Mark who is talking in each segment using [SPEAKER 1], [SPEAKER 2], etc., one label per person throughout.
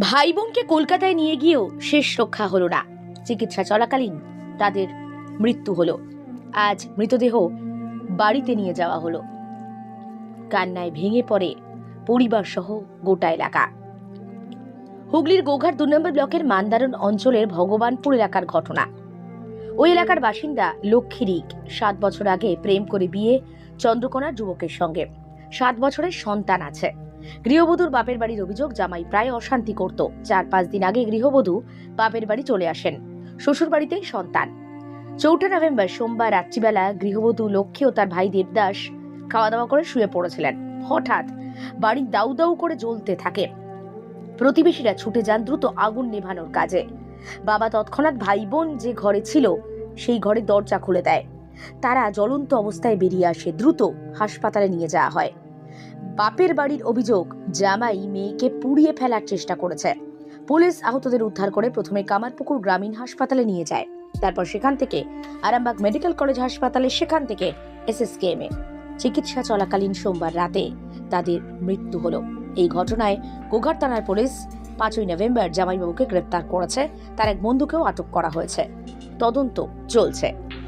[SPEAKER 1] ভাই বোনকে কলকাতায় নিয়ে গিয়েও শেষ রক্ষা হলো না। চিকিৎসা চলাকালীন তাদের মৃত্যু হলো। আজ মৃতদেহ বাড়িতে নিয়ে যাওয়া হলো। কান্নায় ভেঙে পড়ে পরিবার সহ গোটা এলাকা। হুগলির গোঘাট ২ নম্বর ব্লকের মান্দারণ অঞ্চলের ভগবানপুর এলাকার ঘটনা। ওই এলাকার বাসিন্দা লক্ষ্মী রিক ৭ বছর আগে প্রেম করে বিয়ে চন্দ্রকোনার যুবকের সঙ্গে। ৭ বছরের সন্তান আছে। গৃহবধূর বাপের বাড়ির অভিযোগ, জামাই প্রায় অশান্তি করত। ৪-৫ দিন আগে গৃহবধূ বাপের বাড়ি চলে আসেন। শ্বশুর বাড়িতেই সন্তান। ৪ নভেম্বর সোমবার রাত্রিবেলা গৃহবধূ লক্ষ্মী ও তার ভাই দেবদাস খাওয়া দাওয়া করে শুয়ে পড়েছিলেন। হঠাৎ বাড়ি দাউ দাউ করে জ্বলতে থাকে। প্রতিবেশীরা ছুটে যান দ্রুত আগুন নেভানোর কাজে। বাবা তৎক্ষণাৎ ভাই বোন যে ঘরে ছিল সেই ঘরে দরজা খুলে দেয়। তারা জ্বলন্ত অবস্থায় বেরিয়ে আসে। দ্রুত হাসপাতালে নিয়ে যাওয়া হয়। বাপের বাড়ির অভিযোগ, জামাই মেয়েকে পুড়িয়ে ফেলার চেষ্টা করেছে। পুলিশ আহতদের উদ্ধার করে প্রথমে কামারপুকুর গ্রামীণ হাসপাতালে নিয়ে যায়। তারপর সেখান থেকে আরামবাগ মেডিকেল কলেজ হাসপাতালে, সেখান থেকে SSKM-এ। চিকিৎসা চলাকালীন সোমবার রাতে তাদের মৃত্যু হলো। এই ঘটনায় গোঘাট থানার পুলিশ ৫ নভেম্বর জামাইবাবুকে গ্রেপ্তার করেছে। তার এক বন্ধুকেও আটক করা হয়েছে। তদন্ত চলছে।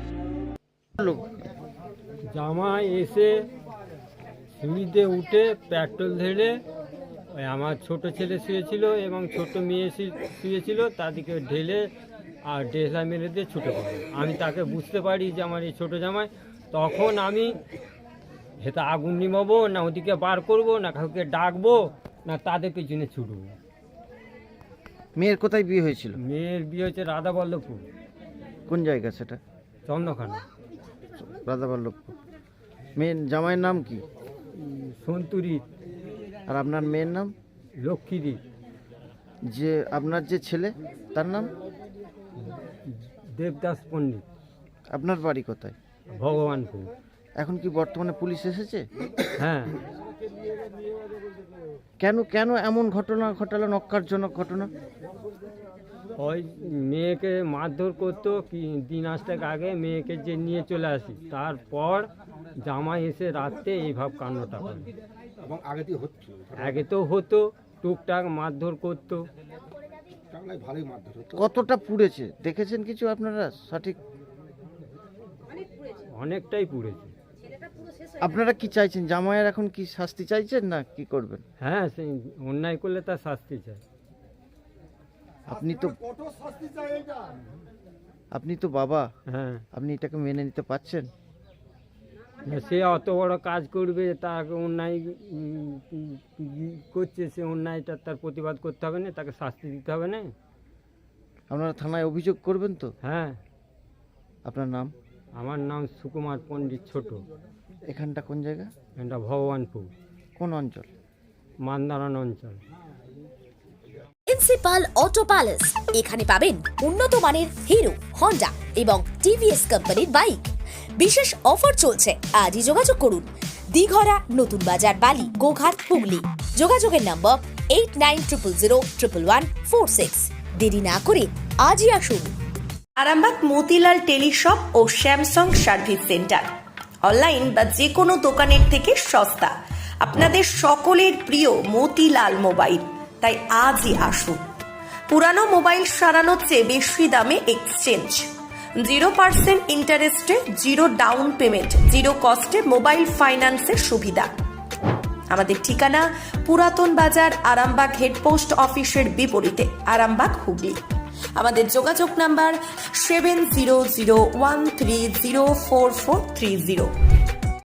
[SPEAKER 2] জামাই এসে সিঁড়িতে উঠে পেট্রোল ঢেলে ওই আমার ছোট ছেলে শুয়েছিল এবং ছোট মেয়ে শুয়েছিল, তাদেরকে ঢেলে আর ডেসা মেরে দিয়ে ছুটে পড়ে। আমি তাকে বুঝতে পারি যে আমার এই ছোটো জামাই। তখন আমি হেতা আগুন নিমাবো না ওদিকে বার করব না কাউকে ডাকবো না তাদের পিছনে ছুটবো।
[SPEAKER 3] মেয়ের কোথায় বিয়ে হয়েছিল?
[SPEAKER 2] মেয়ের বিয়ে হচ্ছে রাধাবল্লভপুর।
[SPEAKER 3] কোন জায়গা সেটা?
[SPEAKER 2] চন্দ্রখানা।
[SPEAKER 3] রাধাবল্লভপুর। মেয়ের জামাইয়ের নাম কি?
[SPEAKER 2] সন্তুরি।
[SPEAKER 3] আর আপনার মেয়ের নাম?
[SPEAKER 2] লক্ষ্মীরি।
[SPEAKER 3] যে আপনার যে ছেলে তার নাম?
[SPEAKER 2] দেবদাস পণ্ডিত।
[SPEAKER 3] আপনার বাড়ি কোথায়?
[SPEAKER 2] ভগবানপুর।
[SPEAKER 3] এখন কি বর্তমানে পুলিশ এসেছে?
[SPEAKER 2] হ্যাঁ।
[SPEAKER 3] কেন কেন এমন ঘটনা ঘটালো, নক্কারজনক ঘটনা?
[SPEAKER 2] ওই মেয়েকে মারধর করতো কি দিন আসতে আগে মেয়েকে যে নিয়ে চলে আসি, তারপর জামাই এসে রাত্রে এইভাবে কান্নটা করে।
[SPEAKER 4] এবং
[SPEAKER 2] আগে তো হতো টুকটাক মারধর করতো।
[SPEAKER 4] ভালোই মারধর হতো।
[SPEAKER 3] কতটা পুড়েছে দেখেছেন কিছু আপনারা? সঠিক
[SPEAKER 2] অনেকটাই পুড়েছে।
[SPEAKER 3] আপনারা কি চাইছেন? জামাইয়ের এখন কি শাস্তি চাইছেন না কি করবেন?
[SPEAKER 2] হ্যাঁ, সেই অন্যায় করলে তার শাস্তি চাই।
[SPEAKER 3] আপনি তো বাবা,
[SPEAKER 2] হ্যাঁ।
[SPEAKER 3] আপনি এটাকে মেনে নিতে পারছেন?
[SPEAKER 2] সে অত বড় কাজ করবে, তাকে অন্যায় করছে, সে অন্যায়টা তার প্রতিবাদ করতে হবে না, তাকে শাস্তি দিতে হবে না।
[SPEAKER 3] আপনারা থানায় অভিযোগ করবেন তো?
[SPEAKER 2] হ্যাঁ।
[SPEAKER 3] আপনার নাম?
[SPEAKER 2] আমার নাম সুকুমার পণ্ডিত ছোট।
[SPEAKER 3] এখানটা কোন জায়গা?
[SPEAKER 2] এটা ভগবানপুর।
[SPEAKER 3] কোন অঞ্চল?
[SPEAKER 2] মান্দারণ অঞ্চল।
[SPEAKER 5] প্রিন্সিপাল অটো প্যালেস, এখানে পাবেন উন্নত মানের হিরো, হন্ডা এবং TVS কোম্পানির বাইক। বিশেষ অফার চলছে, আজই যোগাযোগ করুন। দিঘরা, নতুন বাজার, বালি, গোঘাট, হুগলি। যোগাযোগের নম্বর 8900011146। দেরি না করে আজই আসুন।
[SPEAKER 6] আরামবাগ মতিলাল টেলিশপ ও স্যামসাং সার্ভিস সেন্টার, অনলাইন বা যে কোনো দোকানের থেকে সস্তা। আপনাদের সকলের প্রিয় মতিলাল মোবাইল, তাই আজই আসুন। পুরানো মোবাইল সারানোর চেয়ে বেশি দামে এক্সচেঞ্জ, 0% ইন্টারেস্টে, 0 ডাউন পেমেন্ট, 0 কস্টে মোবাইল ফাইন্যান্সের সুবিধা। আমাদের ঠিকানা পুরাতন বাজার, আরামবাগ হেডপোস্ট অফিসের বিপরীতে, আরামবাগ, হুগলি। আমাদের যোগাযোগ নাম্বার 7001304430।